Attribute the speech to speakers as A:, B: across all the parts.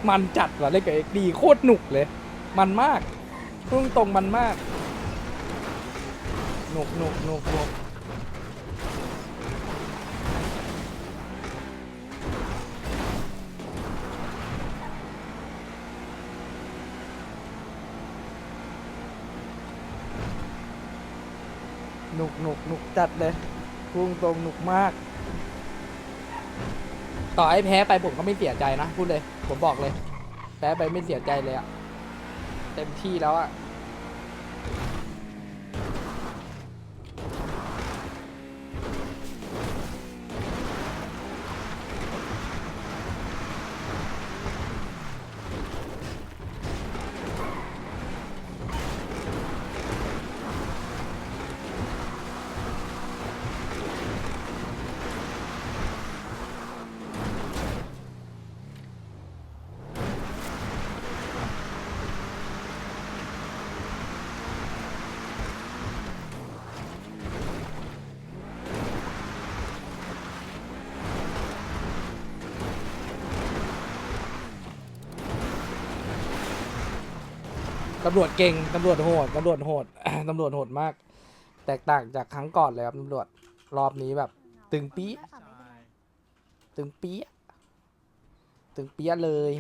A: มันจัดว่ะเล่นกับเอ็กดีโคตรหนุกเลยมันมากพุ่งตรงมันมากหนุกหนุกจัดเลยพุ่งตรงหนุกมากต่อให้แพ้ไปผมก็ไม่เสียใจนะพูดเลยผมบอกเลยแพ้ไปไม่เสียใจเลยอะเต็มที่แล้วอะตำรวจเก่งตำรวจโหด ตำรวจโหด ตำรวจโหดมาก แตกต่างจากครั้งก่อนเลยครับตำรวจรอบนี้แบบ ตึงปี๊ะตึงปี๊ะตึงปี๊ะเลย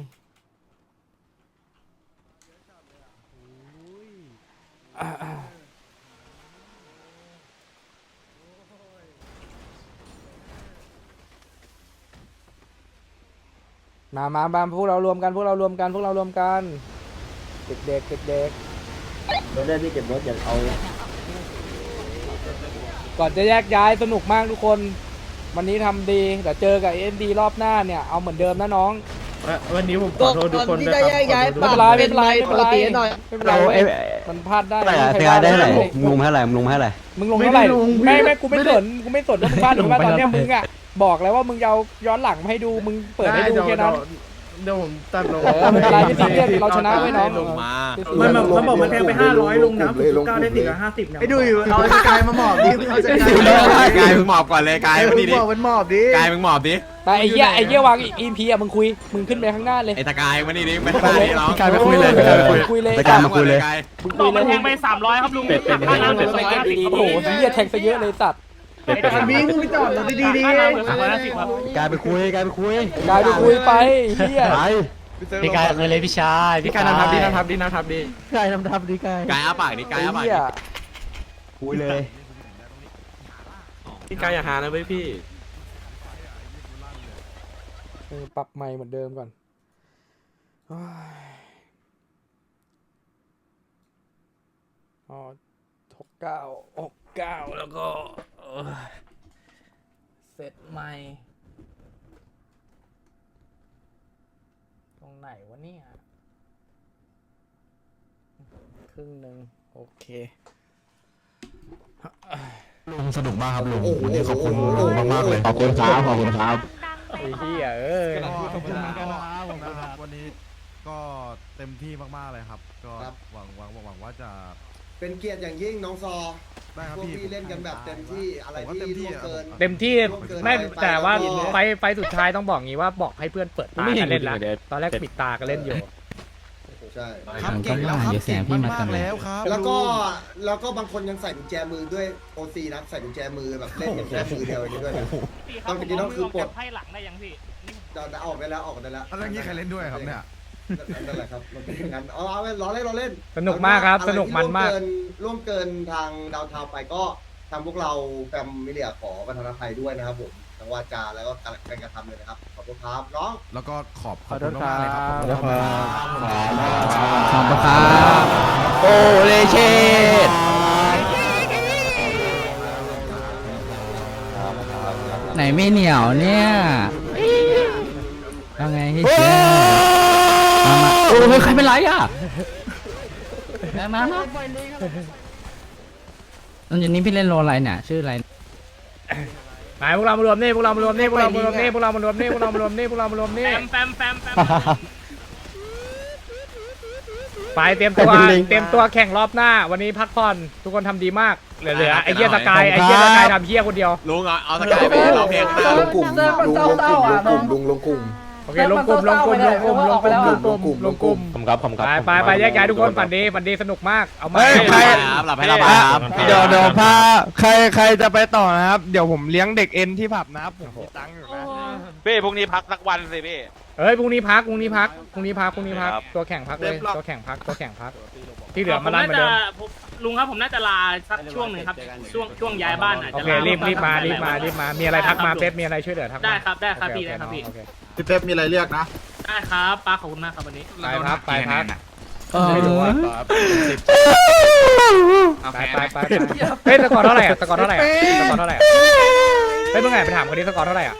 A: มาพวกเรารวมกันเด็ก
B: รถได้พี่เก็บรถอย่าเอา
A: ก่อนจะแยกย้ายสนุกมากทุกคนวันนี้ทำดีเดี๋ยวเจอกับเอ็นดีรอบหน้าเนี่ยเอาเหมือนเดิมนะน้อง
C: วันนี้ผมขอโทษทุกคนด้วยครับ
A: ไม่เป็นไรไม่เป็นไรมันพลาดได้
D: ได้ไหนมึงลงให้อะไรมึงลงให้อะไร
A: มึงลงเท่าไหร่ไม่กูไม่สนว่ามึงพลาดหรือว่าตอนเนี้ยมึงอ่ะบอกแล้วว่ามึงเอาย้อนหลังมาให้ดูมึงเปิดให้ดูแค่นั้น
C: เดี๋ยวผมตัดลง
A: ไม่เป็นไรไม่ซีเรียสเราชนะไว้น้อง
C: มันเขาบอกมันแทงไป500ลงน้ำ9ได้450เนี่ย
B: ไอ้ดูอยู่เอากายมาหมอบดิเอา
E: กายมึงหมอบก่อนเลยกายมาดิ
B: มันหมอบดิ
E: กายมึงหมอบดิ
A: ไปไอ้เหี้ยวางอีพีอ่ะมึงคุยมึงขึ้นไปข้างหน้าเลย
E: ไอ้ตะกายมาดิไม่ทำอะไรหรอก
D: กายไปคุยเลย
A: คุยเลย
D: กายมาคุยเลย
A: บอกมันแทง
C: ไป300ครับลุงค่าน้ำเป็น250
A: โอ้โหเหี้ยแทงซะเยอะเลยสัตว์
B: มีมึงไปจอดรถดีๆ
D: กายไปคุยไป
A: เหี้ย
D: พี่กายเลยพี่ชาย
C: พี่กายนั่งทับดี
D: กายนั่งทับดีก
E: ายอาปากดิกายอาปาก
D: คุยเลย
C: พี่กายอย่าหานะเว้ยพี่
A: ปรับใหม่เหมือนเดิมก่อน69แล้วก็เสร็จใหม่ตรงไหนวะเนี่ยครึ่งหนึ่งโอเค
D: ลุงสนุกมากครับลุงวันนี้ขอบคุณลุงมากๆเลยขอบคุณครับ
A: ไอ้เหี้ย
F: ขอบคุณเหมือนกันนะครับวันนี้ก็เต็มที่มากๆเลยครับก็หวังว่าจะ
B: เป็นเกียรติอย่างยิ่งน้องซอ
F: ได้ครับ
B: พี่เล่นกันแบบเต็มที่อะไรที่
A: เต็มที่ไม่แต่ว่าไฟสุดท้ายต้องบอกงี้ว่าบอกให้เพื่อนเปิดตากันเล่นแล้วตอนแรกปิดตากันเล่นอยู่
B: ใช่
F: ครับเก่งแล้วครับเก่งมากแล้วครับ
B: แล้วก็บางคนยังใส่กุญแจมือด้วยโอซีนะใส่กุญแจมือแบบเล่นอย่างแค่มือเดียวอย่างนี้ด้วยต้องจริงๆต้องคือปลด
C: ให้หลังได้ยังพี่
B: จะออกได้แล้ว
F: แล้วนี้ใครเล่นด้วยครับเนี่ย
B: นั่นแหละครับมันเป็นอย่างนั้นเอาล้อเล่น
A: สนุกมากครับสนุกมันมาก
B: ร่วมเกินทางดาวเทาไปก็ทำพวกเราแฟมมิเลียขอประธานอภัยด้วยนะครับผมทั้งวาจาแล้วก็การกระทำเลยนะครับขอบคุณครับน้อง
F: แล้วก็ขอบคุณมากเลยครับ
D: ขอบคุณครับโอ้เลเชตไหนไม่เหนียวเนี่ยว่าไงที่เชื่อมาโอ้ยใครเป็นไรอ่ะมาตอนนี้พี่เล่นโรอะไรเนี่ยชื่ออะไร
A: ไปพวกเรามารวมนี่แฟมไปเตรียมตัวแข่งรอบหน้าวันนี้พักผ่อนทุกคนทำดีมากเหลือไอ้เหี้ยสกายทำเหี้ยคนเดียว
E: ลุงเอาสกายไปร้องเพลง
B: ลงกลุ่ม
C: โอเคลงกลุ่ม
D: ผมครับผมครับ
C: ไปแยกย้ายทุกคนฝันดีสนุกมากเอามา
E: หลับให้เราครับ
G: เดี๋ยวพาใครจะไปต่อนะครับ เดี๋ยวผมเลี้ยงเด็กเอ็นที่ผับนะครับผมมีตังค์อยู่นะ
H: พี่พรุ่งนี้พักสักวันสิพี่
C: เอ้ยพรุ่งนี้พักตัวแข่งพักเลยตัวแข่งพักที่เหลือมาลั่นเหมือนเดิม
I: ลุงครับผมน่าจะลาสักช่วงหนึ่งครับช่วงย้ายบ้านอาจ
C: โอ
I: จะ
C: เครีบมามีอะไรทักมาเป๊ปมีอะไรช่วยเหลือทักมา
I: ได้ครับพี่ได้ครับพี่
C: โอเค
G: พี่เป๊ปมีอะไรเรียกนะ
I: ได้ครับป้าขอบคุณมากครับวันนี้
C: ไปครับไป
G: ไม่รู้ว่า
C: เฮ้ยสกอร์เท่าไหร่อ่ะเฮ้ยมึงไงไปถามคนนี้สกอร์เท่าไหร่อ่ะ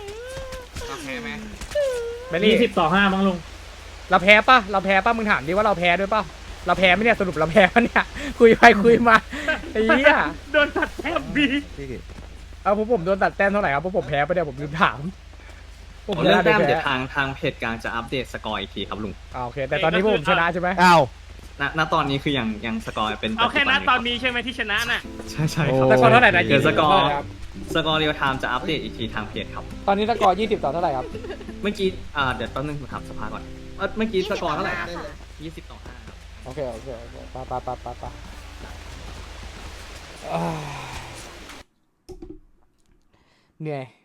C: เบลลี่
I: 20-5มั้งลุง
C: เราแพ้ป่ะมึงถามดิว่าเราแพ้ด้วยป่ะเราแพ้ไหมเนี่ยสรุปเราแพ้ปะเนี่ยคุยไปคุยมาไอ้เหี้ย
I: โดนตัดแทบบี
C: เอาผมโดนตัดแต้มเท่าไหร่ครับเพราะผมแพ้ไปเนี่ยผมลืมถาม
D: เรื่องแต้มเดี๋ยวทางเพจกลางจะอัปเดตสกอร์อีกทีครับลุง
C: โอเคแต่ตอนนี้ผมชนะใช่ไหม
G: อ้าว
D: ณตอนนี้คือยังสกอร์เป็น
I: เอาแค่นั้นตอนนี้ใช่ไหมที่ชนะน่ะ
D: ใช่ครับ
C: สกอร์เท่าไหร่นะ
D: เดี๋ยวสกอร์
C: ครับ
D: เรียลไทม์จะอัปเดตอีกทีทางเพจครับ
C: ตอนนี้สกอร์20 ต่อเท่าไหร่ครับ
D: เมื่อกี้เดี๋ยวแป๊บนึงผมถามสภาก่อนเมื่อกี้สกอร์เท่าไหร่นะ20 ต่อ 5ครับ
C: โอเคไปเหนื่อย